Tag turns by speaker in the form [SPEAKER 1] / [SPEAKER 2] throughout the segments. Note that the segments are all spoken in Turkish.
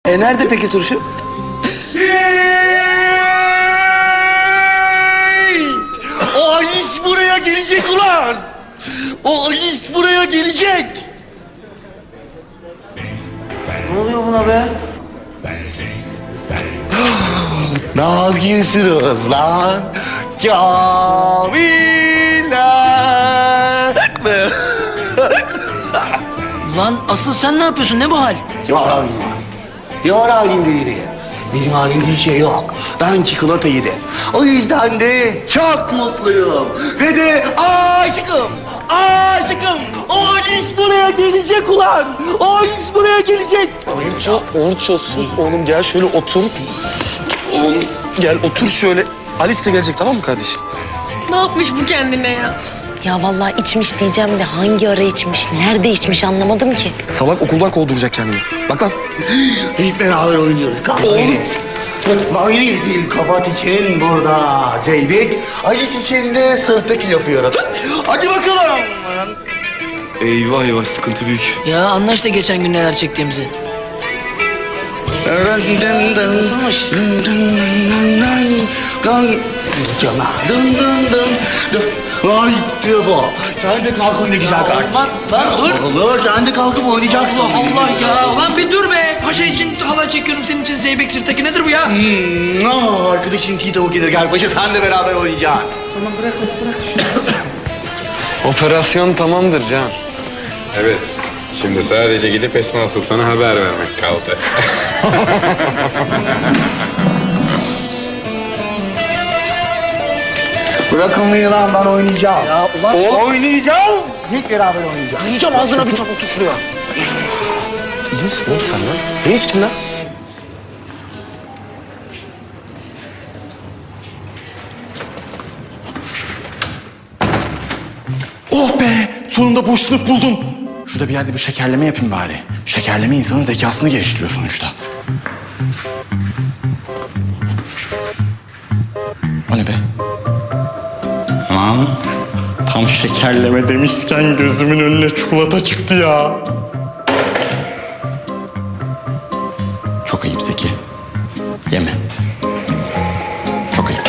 [SPEAKER 1] Nerede peki turşu?
[SPEAKER 2] O Alice buraya gelecek ulan! O Alice buraya gelecek!
[SPEAKER 1] Ne oluyor buna be?
[SPEAKER 2] Ne yapıyorsunuz lan? Kamiller!
[SPEAKER 1] Lan asıl sen ne yapıyorsun? Ne bu hal?
[SPEAKER 2] Yalan. Yar halinde yine. Benim halimde bir şey yok. Ben çikolata yedim. O yüzden de çok mutluyum. Ve de aşıkım. Aşıkım. O Alice buraya gelecek ulan. O Alice buraya gelecek.
[SPEAKER 3] Orço sus oğlum, gel şöyle otur. Oğlum gel otur şöyle. Alice de gelecek, tamam mı kardeşim?
[SPEAKER 4] Ne yapmış bu kendine ya?
[SPEAKER 5] Ya vallahi içmiş diyeceğim de hangi ara içmiş, nerede içmiş anlamadım ki.
[SPEAKER 3] Salak okuldan kovduracak kendini. Bak lan.
[SPEAKER 2] Hep beraber oynuyoruz. Oğlum. Aynı değil kabat için burada Zeybek. Alice için de sırtaki yapıyorum. Hadi bakalım.
[SPEAKER 3] Eyvah eyvah, sıkıntı büyük.
[SPEAKER 1] Ya anla işte geçen gün neler çektiğimizi.
[SPEAKER 2] Nasılmış? Ay Tefo, sen de kalk oyna güzel kardeşim.
[SPEAKER 1] Lan dur.
[SPEAKER 2] Olur, sen de kalkıp oynayacaksın.
[SPEAKER 1] Allah Allah ya. Ulan bir dur be. Paşa için halay çekiyorum. Senin için Zeybek sırtaki nedir bu ya?
[SPEAKER 2] Arkadaşım çiğ tavuk gelir. Gel paşa sen de beraber oynayacaksın.
[SPEAKER 6] Operasyon tamamdır Can.
[SPEAKER 7] Evet. Şimdi sadece gidip Esma Sultan'a haber vermek kaldı.
[SPEAKER 2] Bırakın beni lan ben oynayacağım.
[SPEAKER 1] Ya ulan.
[SPEAKER 2] Oynayacağım. Hep beraber oynayacağız.
[SPEAKER 1] Yiyeceğim ağzına bir çabuk şuraya.
[SPEAKER 3] İyi misin oğlum sen lan? Ne içtin lan?
[SPEAKER 8] Oh be! Sonunda boş sınıf buldum. Şurada bir yerde bir şekerleme yapayım bari. Şekerleme insanın zekasını geliştiriyor sonuçta. O ne be? Lan tam şekerleme demişken gözümün önüne çikolata çıktı ya. Çok ayıp Zeki. Yeme. Çok ayıp.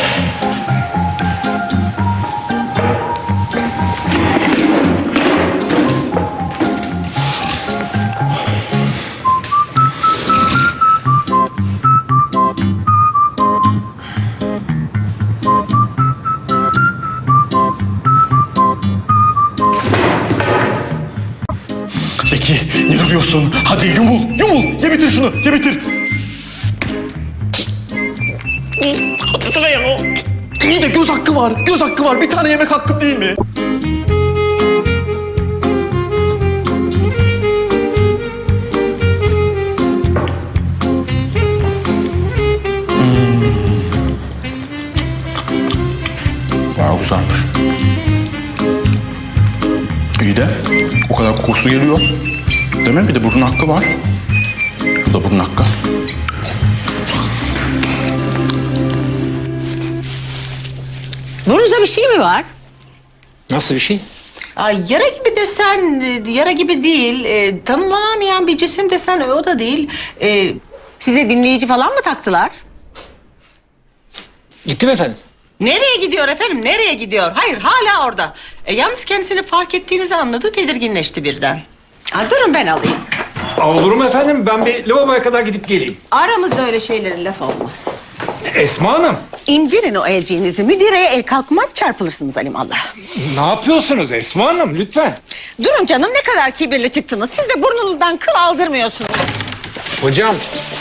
[SPEAKER 8] Zeki, ne duruyorsun? Hadi yumul, yumul. Ye bitir şunu, ye bitir. Hadi sıraya o. İyi de göz hakkı var, göz hakkı var. Bir tane yemek hakkım değil mi? Bayağı güzelmiş. İyi de o kadar kokusu geliyor. Değil mi? Bir de burun hakkı var. Bu da burun hakkı.
[SPEAKER 9] Burnunuza bir şey mi var?
[SPEAKER 3] Nasıl bir şey?
[SPEAKER 9] Ay, yara gibi desen, yara gibi değil. Tanımlanamayan bir cisim desen o da değil. Size dinleyici falan mı taktılar?
[SPEAKER 1] Gittim efendim.
[SPEAKER 9] Nereye gidiyor efendim? Nereye gidiyor? Hayır, hala orada. Yalnız kendisini fark ettiğinizi anladı, tedirginleşti birden. Durun ben alayım.
[SPEAKER 10] Olur mu efendim? Ben bir lavaboya kadar gidip geleyim.
[SPEAKER 9] Aramızda öyle şeylerin laf olmaz.
[SPEAKER 10] Esma Hanım,
[SPEAKER 9] İndirin o elciğinizi. Müdireye el kalkmaz, çarpılırsınız alimallah.
[SPEAKER 10] ne yapıyorsunuz Esma Hanım? Lütfen.
[SPEAKER 9] Durun canım, ne kadar kibirli çıktınız. Siz de burnunuzdan kıl aldırmıyorsunuz.
[SPEAKER 7] Hocam.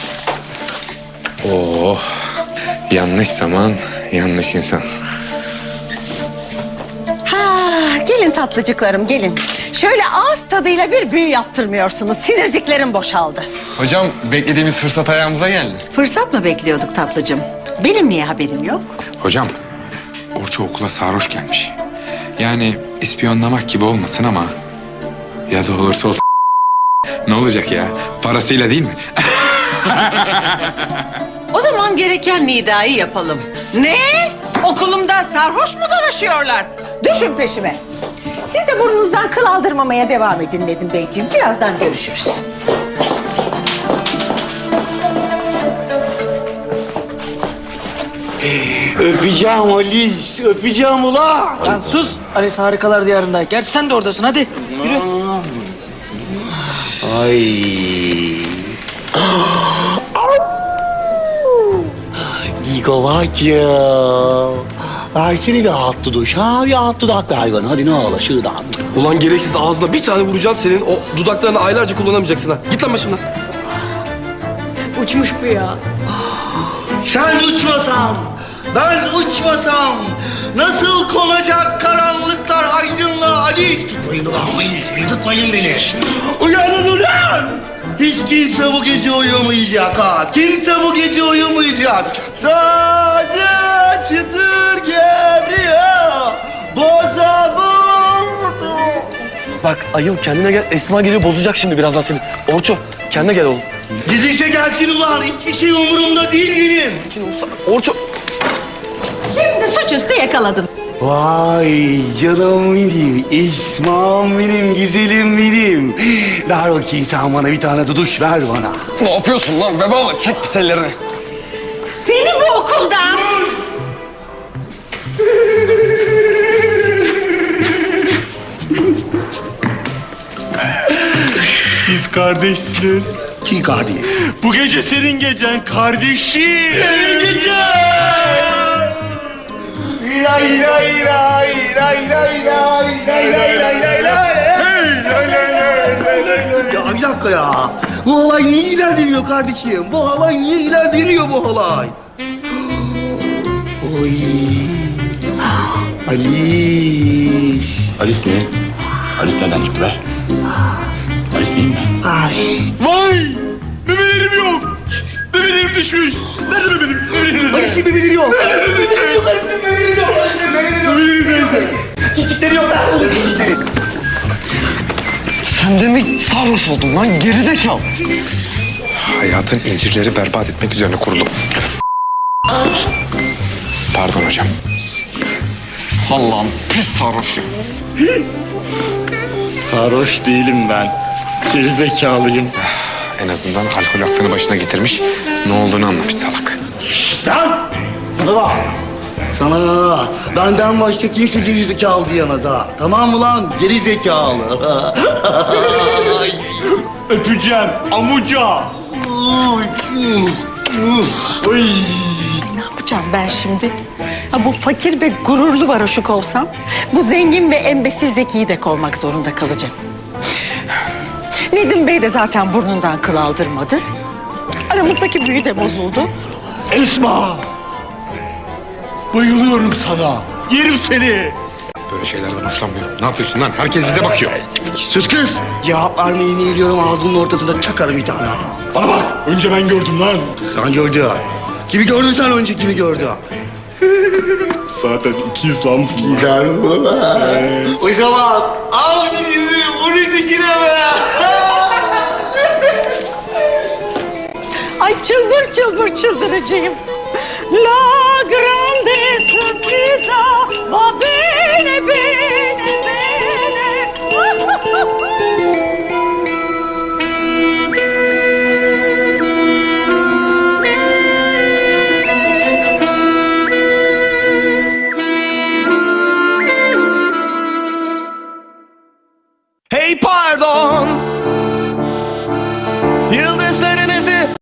[SPEAKER 7] Oh. Yanlış zaman, yanlış insan.
[SPEAKER 9] Gelin tatlıcıklarım, gelin. Şöyle ağız tadıyla bir büyü yaptırmıyorsunuz. Sinirciklerim boşaldı.
[SPEAKER 6] Hocam beklediğimiz fırsat ayağımıza geldi.
[SPEAKER 9] Fırsat mı bekliyorduk tatlıcım? Benim niye haberim yok?
[SPEAKER 7] Hocam, Orço okula sarhoş gelmiş. Yani ispiyonlamak gibi olmasın ama... ...ya da olursa olsun... ...ne olacak ya? Parasıyla değil mi?
[SPEAKER 9] O zaman gereken nidayı yapalım. Ne? Okulumda sarhoş mu dolaşıyorlar? Düşün peşime. Siz de burnunuzdan kıl aldırmamaya devam edin Nedim Beyciğim. Birazdan görüşürüz.
[SPEAKER 2] Öpeceğim Alice, öpeceğim ulan.
[SPEAKER 1] Lan sus. Alice harikalar diyarında. Gerçi sen de oradasın. Hadi yürü.
[SPEAKER 2] Ay. Gigovacığım. Versene bir alt duduş ha, bir alt dudak ver bana. Hadi ne olur şuradan.
[SPEAKER 3] Ulan gereksiz ağzına bir tane vuracağım senin. O dudaklarını aylarca kullanamayacaksın ha. Git lan başımdan.
[SPEAKER 4] Uçmuş bu ya.
[SPEAKER 2] Sen uçmasan, ben uçmasam nasıl konacak karanlıklar aydınlığa Alice? Tutmayın ulan beni, tutmayın beni. Uyanın ulan! Hiç kimse bu gece uyumayacak ha. Kimse bu gece uyumayacak. Sadece çıtır gevriyor. Boza vurdu.
[SPEAKER 3] Bak ayıl kendine gel. Esma geliyor bozacak şimdi birazdan seni. Orço kendine gel oğlum.
[SPEAKER 2] Gidişe gelsin ulan. Hiçbir şey umurumda değil benim.
[SPEAKER 3] Şimdi Orço.
[SPEAKER 9] Şimdi suçüstü yakaladım.
[SPEAKER 2] Vay canım benim, İsmail benim, güzelim benim. Ver bakayım sen bana bir tane duduş ver bana.
[SPEAKER 6] Ne yapıyorsun lan bebe? Çek pis ellerini.
[SPEAKER 9] Seni bu okuldan...
[SPEAKER 8] Siz kardeşsiniz.
[SPEAKER 2] Kim kardeş?
[SPEAKER 8] Bu gece senin gecen kardeşim.
[SPEAKER 2] Senin gecen! Lay lay lay lay lay lay lay lay lay lay lay. Ya bir dakika ya. Bu olay niye ilerlemiyor kardeşim? Bu olay niye ilerlemiyor bu olay? Oy. Alice.
[SPEAKER 8] Alice mi? Alice nereden çıktı be? Alice miyim ben?
[SPEAKER 2] Ay.
[SPEAKER 8] Vay! Bebelerim yok. Bebelerim düşmüş. Nerede bebelerim?
[SPEAKER 2] Alice'in bebeleri yok. Alice'in bebeleri yok. Alice'in bebeleri yok. Alice'in bebeleri yok.
[SPEAKER 8] Bebeleri nerede?
[SPEAKER 2] Çocukları yok. Nerede çocukları?
[SPEAKER 6] Sen de mi sarhoş oldun lan gerizekalı?
[SPEAKER 7] Hayatın incirleri berbat etmek üzerine kurulu. Pardon hocam.
[SPEAKER 6] Allah'ım pis sarhoşu.
[SPEAKER 8] Sarhoş değilim ben. Gerizekalıyım.
[SPEAKER 7] En azından alkol aklını başına getirmiş. Ne olduğunu anlamış salak.
[SPEAKER 2] Lan! Bana bak. Sana benden başka kimse geri zekalı diyemez ha. Tamam mı lan? Geri zekalı.
[SPEAKER 8] Öpeceğim amuca.
[SPEAKER 2] Oy.
[SPEAKER 9] Ne yapacağım ben şimdi? Ha, bu fakir ve gururlu varoşuk olsam... ...bu zengin ve embesil Zeki'yi de kovmak zorunda kalacağım. Nedim Bey de zaten burnundan kıl aldırmadı. Aramızdaki büyü de bozuldu.
[SPEAKER 8] Esma. Bayılıyorum sana. Yerim seni.
[SPEAKER 7] Böyle şeylerden hoşlanmıyorum. Ne yapıyorsun lan? Herkes bize bakıyor.
[SPEAKER 2] Sus kız. Cevap vermeyi biliyorum ağzının ortasında çakarım bir tane.
[SPEAKER 8] Bana bak. Önce ben gördüm lan.
[SPEAKER 2] Sen gördün. Kimi gördün sen önce kimi gördün?
[SPEAKER 8] Zaten ikiz lan.
[SPEAKER 2] Güzel bu. O zaman al bizi vur dikine be.
[SPEAKER 9] Ay çıldır çıldır çıldıracağım. La grande sorpresa va bene bene.